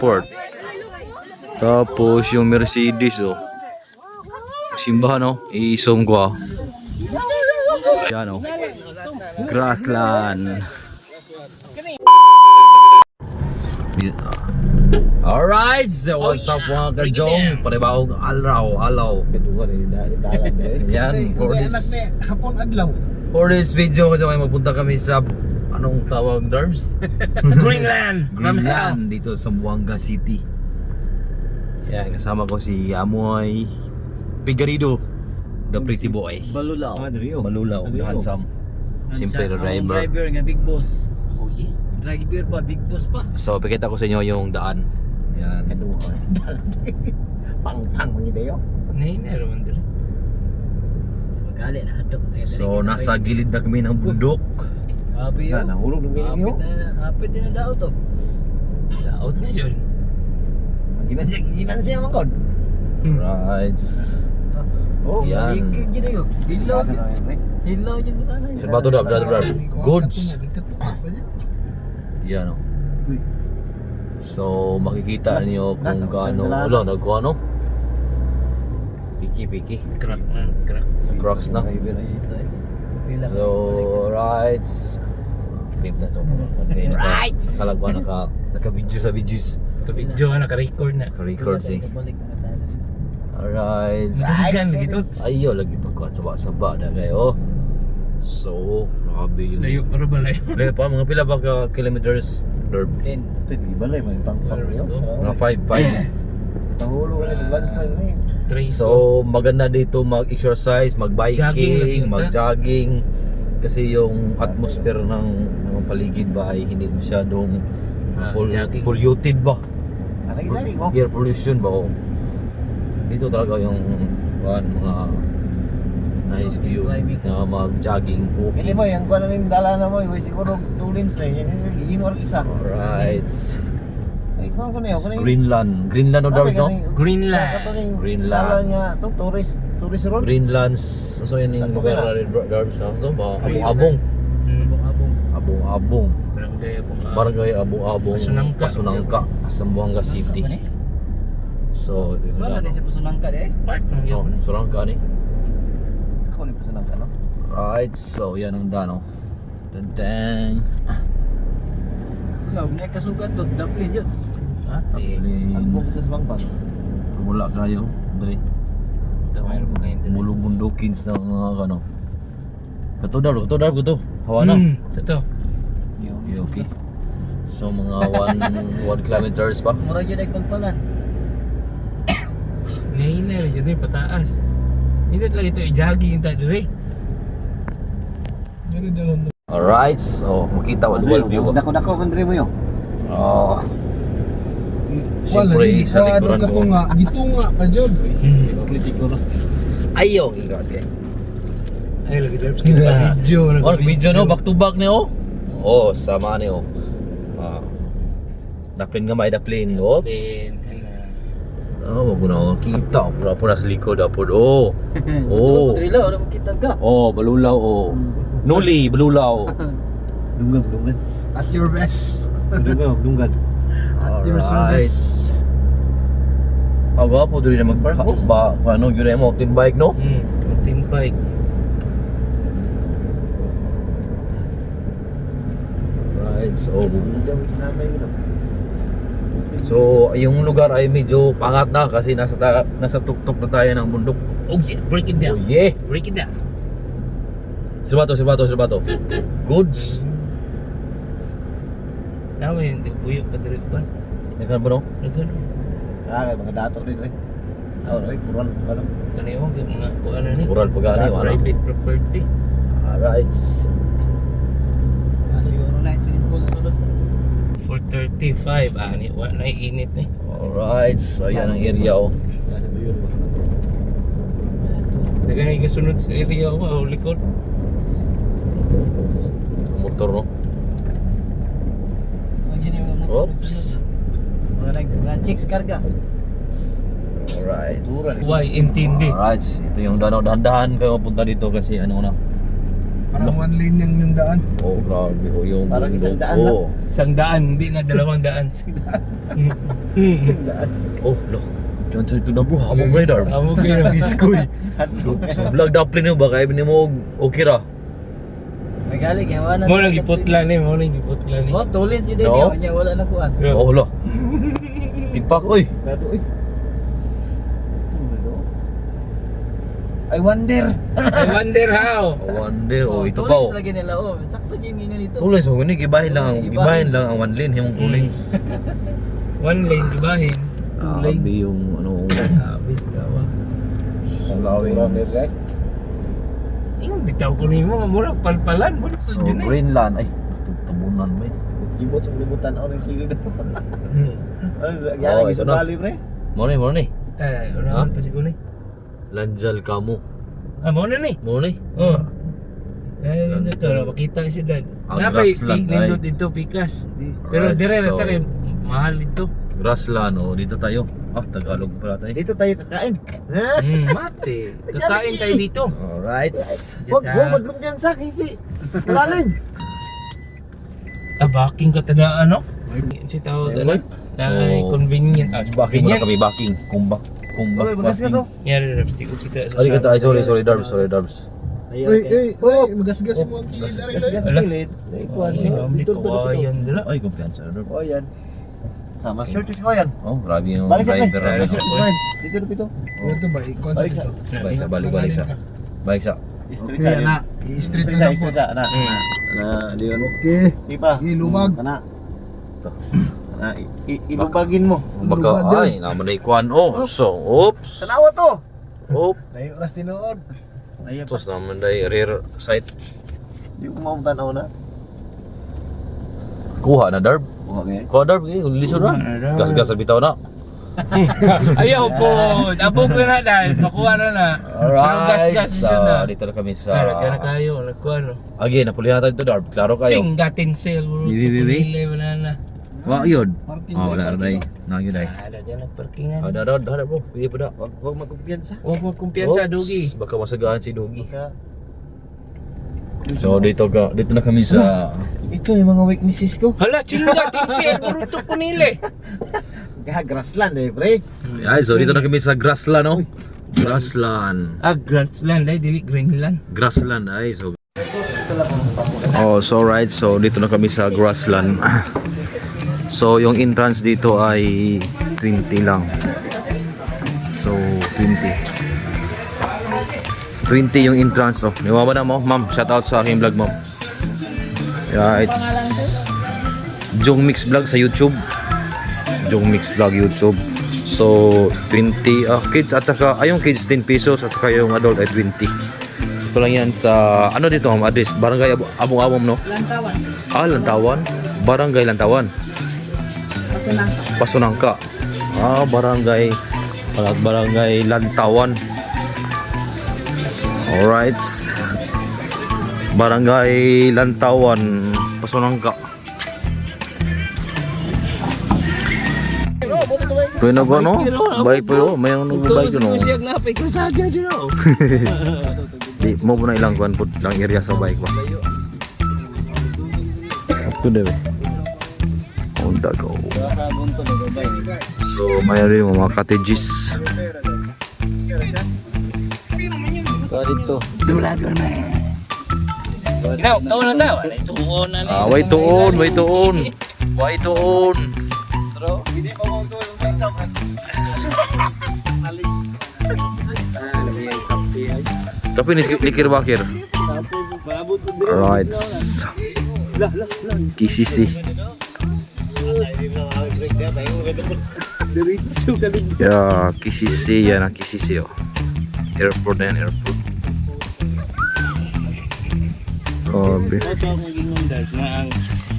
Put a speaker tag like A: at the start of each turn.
A: Airport. Tapos yung Mercedes oh. Simbahan oh. I-zoom ko ah. Yan oh. Grassland. Alright, so what's up mga kajong? Panibawang alaw. Yan, for this video kajong ay magpunta kami sa anong tawag Darbs?
B: Greenland.
A: Greenland dito sa Zamboanga City. Yan, kasama ko si Amoy Figueredo, the pretty boy.
B: Balulaw.
A: Malulaw, the handsome. Simple na driver.
B: Driver nga big boss. Oh yeah. Driver pa, big boss pa.
A: So, pakita ko sa inyo yung daan. Yan.
C: Pang mga
B: Nay na naman dito. Magali na hadok.
A: So, nasa gilid na kami ng bundok.
B: Abi yun.
C: nahulog ng ganyan yun.
B: Hapit din na daw to. Daot na yun.
C: Ginan siya mga kod.
A: Right.
C: Oh,
A: Yan.
B: Ikig yun yun. Hilaw yun. Hilaw yun na tanay.
A: Sa bato dab, goods. Yan o. So, makikita niyo kung gaano, wala, nagkuha no? Piki.
B: Crack na. Crack.
A: Crocs na. So, right. Flip na so. Right. Kalagwa naka-video sa videos.
B: Video nga naka-record na.
A: Naka-record si. Alright.
B: Sigan gitu.
A: Ayo lagi pagkuhan saba-saba na kayo. So, grabe yun.
B: Layo para ba layo?
A: Layo pa, mga pila ba ka kilometers? Derb?
B: 10.
C: Ibalay mo yung pang
A: Mga 5.
C: Nahulog ka ng landslide na yun.
A: So, maganda dito mag-exercise,
B: Jogging
A: mag-biking,
B: lang,
A: mag-jogging. Kasi yung atmosphere ng paligid ba ay hindi masyadong
B: jogging.
A: polluted ba?
C: Lagi mo.
A: Air pollution ba? Oh. Dito talaga yung mga nice view na mag-jogging,
C: Hindi
A: walking.
C: mo, yung kuha na rin dala na mo, siguro 2 lanes na yun. Yung or isa.
A: Alright.
C: Ay, kuha ko na yun.
A: Greenland o Darbs no?
B: Greenland.
A: Greenland.
C: Dala niya, ito, tourist road.
A: Greenland. So yun yung lugar na rin Darbs no? So ba? Abong-abong.
B: Abong.
A: Abong-abong.
B: Barangay Abong.
A: Barangay Abong-abong. Pasunangka. Zamboanga City. So,
B: Wala na siya pasunangka eh. Park ng
A: oh,
B: yun.
A: Surangka ni.
C: Ako ni pasanang ka, no?
A: Right, so yan ang dano. Tantang.
B: So, may kasugat doon. Dublin yun. Ha?
C: Ang
A: Plane.
C: sa Sbangbang.
A: Pumula kayo. Dali.
B: Mayroon po ngayon doon.
A: Mulubundukins ng mga ano. Katudar ko to. Hawa na.
B: Ito.
A: Okay. So mga 1 kilometers pa.
B: Mura yun ay pagpalan. Nahina yun eh, pataas. Hindi talaga ito i-jogging tayo rin.
A: Alright, so makita wal view ba?
C: Dako pandre mo yun.
A: Oh.
D: Wala
A: Siyempre,
D: di
A: sa
D: sa
A: likuran ko.
D: katunga, gitunga pa jud.
A: Ayaw, ikat kay.
B: Ay, lagi drive kita.
A: Oh, video no, back to back ni oh. Oh, sama ni oh. Daplin nga may daplin. Oops. Oh, wag na kita. Pura sa likod apod. Oh. Oh.
B: Trilo, ano makita ka?
A: Oh, balulaw oh. Nuli, balulaw.
C: Dungan.
D: At your best.
C: Dungan.
D: At your
A: Alright.
D: service.
A: Aga po dili na magba ano gyud mo mountain bike no?
B: Mountain bike.
A: Right, so yung lugar ay medyo pangat na kasi nasa tuktok na tayo ng bundok.
B: Oh yeah, break it
A: Oh
B: down.
A: yeah.
B: Break it down.
A: Silbato. Goods.
B: Nawa yun, buyok pa dito ba?
A: Nagkan ba no?
B: Nagano.
C: Kaya mga dato rin rin. Pural.
B: Ano yung mga kung ano ni?
A: Kural pagani ano.
B: Private property.
A: Alright.
B: Siguro na ito yung bull sunod. 4:35, ani, wala na init ni.
A: Alright, so yan ang area oh.
B: Dagan yung sunod sa area ko, likod.
A: Motor no. Oops.
B: Mga chicks karga.
A: Alright.
B: Why intindi?
A: Alright, ito yung danaw, dahan-dahan kayo mapunta dito kasi ano na
D: Parang one lane yung daan.
A: Oh, grabe. Oh, yung
C: Parang isang
A: bundok.
C: daan lang.
A: Oh.
B: Isang daan, hindi na dalawang daan.
A: Oh, look. Diyan sa ito na bro. Habang radar.
B: Amo kayo.
A: Iskoy. So vlog daplin mo baka ibig mo okay ra.
E: Magaling yan, wala
B: Mo nang giputla ni, mo nang giputla ni.
E: Oh, tulin si Denny,
A: No.
E: niya wala na kuan.
A: Oh, lo. Tipak oy.
C: Gado eh. I wonder.
B: I wonder how.
A: Wonder oh, ito pa oh.
E: Tulin lagi nila, oh. Sakto yung ganyan dito.
A: Tulis mo guni gibahin lang ang one lane himong tulings.
B: One lane gibahin. Two lane.
A: Grabe yung ano.
B: Abis gawa.
C: Allowing.
B: Ing bitaw ko nimo nga mura palpalan mo
A: So
B: dyan eh.
A: Greenland ay tabunan ba?
C: Gibot ang libutan ako ng kilo daw. Ano,
A: Oh,
C: yan ang
A: ito
C: isang
A: na.
C: bali pre.
A: Mo ni.
B: Eh, una pa siguro ni.
A: Lanjal kamo.
B: Ah, mo na ni.
A: Mo ni.
B: Oh. Eh, hindi to, makita siya dad.
A: Ang
B: Napay
A: grassland,
B: nindot
A: ay.
B: dito pikas.
A: Alright,
B: Pero dire na
A: so-
B: tare mahal dito.
A: Grassland oh, dito tayo. Ah, Tagalog pala tayo.
C: Dito tayo kakain.
B: Mate. Kakain tayo dito.
A: Alright.
C: Huwag mo magkumpiyansa kasi. Malalim.
B: Backing ka tada ano? Si tawag ano? Ay, convenient.
A: Backing muna
B: convenient.
A: kami backing. Kumbak
C: Okay, bagas ka so.
B: Yari, Rapsti ko kita sa
A: Ay, kata, ay, sorry, Darbs.
D: Uy, magasgas yung mga kilis na rin.
C: Gas
B: Ala.
C: pilit. Ikuan.
B: Dito kawayan dala.
A: Ay, kumpiyansa na Darbs.
C: Oh yan. Sama short is ko yan.
A: Oh, grabe yung
C: Balik sa
A: driver
C: pre.
A: na
C: Short is ko yan. Dito dito.
D: Ito ba, i-concept
C: Balik sa-
D: ito.
A: Balik sa. Balik sa.
C: Street
D: Okay,
C: sa.
D: ana. I-street
C: Street
D: na
C: sa,
D: lang po.
C: street sa. Ana. Ana, diyon.
D: Okay.
C: Ipa.
D: Ilubag.
C: Ana. Ana, ilubagin mo.
A: Baka, ay, naman na ikuan. Oh, so, oops.
C: Tanawa to.
A: Oop.
D: Layo oras tinuod.
A: Tapos naman na rear sight.
C: Di ko maumtanaw na.
A: Kuha na, Darb.
C: Okay.
A: Kuha, Darb. Lisod na. Gas-gas sa bitaw na.
B: Ayaw po. Abog na na dahil. Makuha na na. Pero gas-gas siya na.
A: Dito na kami
B: Pero
A: sa...
B: kaya na kayo. Nagkuha no.
A: Again, napuli natin ito, Darb. Klaro kayo.
B: Ching, gatin sale.
A: Bibi.
B: Wala na.
A: Wa, yun.
D: Parking.
A: Oh, wala na dahi. Nagyo dahi.
B: Ada dyan ang parkingan.
A: Ada bro. Pili pa da.
C: Huwag magkumpiyansa.
B: Huwag mo kumpiyansa,
A: Oops,
B: Dugi.
A: Baka masagaan si Dugi.
C: Baka
A: So dito na kami sa
C: ito yung mga weaknesses ko.
B: Hala, ching, gatin sale. Bruto po nila.
C: Grassland eh, pre.
A: ay, so dito na kami sa Grassland, no? Grassland.
B: Grassland ay, dili Greenland.
A: Grassland ay so. Oh, so right. So dito na kami sa Grassland. So yung entrance dito ay 20 lang. So 20 yung entrance. Oh, niwawa na mo, ma'am. Shout out sa aking vlog, ma'am. Yeah, it's Jong Mix Vlog sa YouTube. Jong Mix Vlog YouTube. So 20 kids at saka yung kids 10 pesos at saka yung adult ay 20. Ito lang yan sa ano dito, ma'am, address Barangay Abong-Abong, no?
E: Lantawan.
A: Lantawan. Barangay Lantawan. Pasunangka. Barangay Lantawan. Alright. Barangay Lantawan, Pasunangka. Pwede na ba, no? Bike pa, no? May ano ba bike, no?
B: Siya napay ko sa agad yun, no?
A: Di mo na ilang kuan po lang area sa bike ba. Ako debe. Honda go. So mayroon yung mga cottages.
C: Dito.
B: Ikaw, taon na daw. Tuon na ni.
A: Way tuon.
C: Hindi pa mo tulong ng exam.
A: Tapi ni likir bakir. Alright. KCC. Ya, KCC yan ang KCC, oh. Airport na yan, airport. Grabe.
B: Ito ang ginundag na ang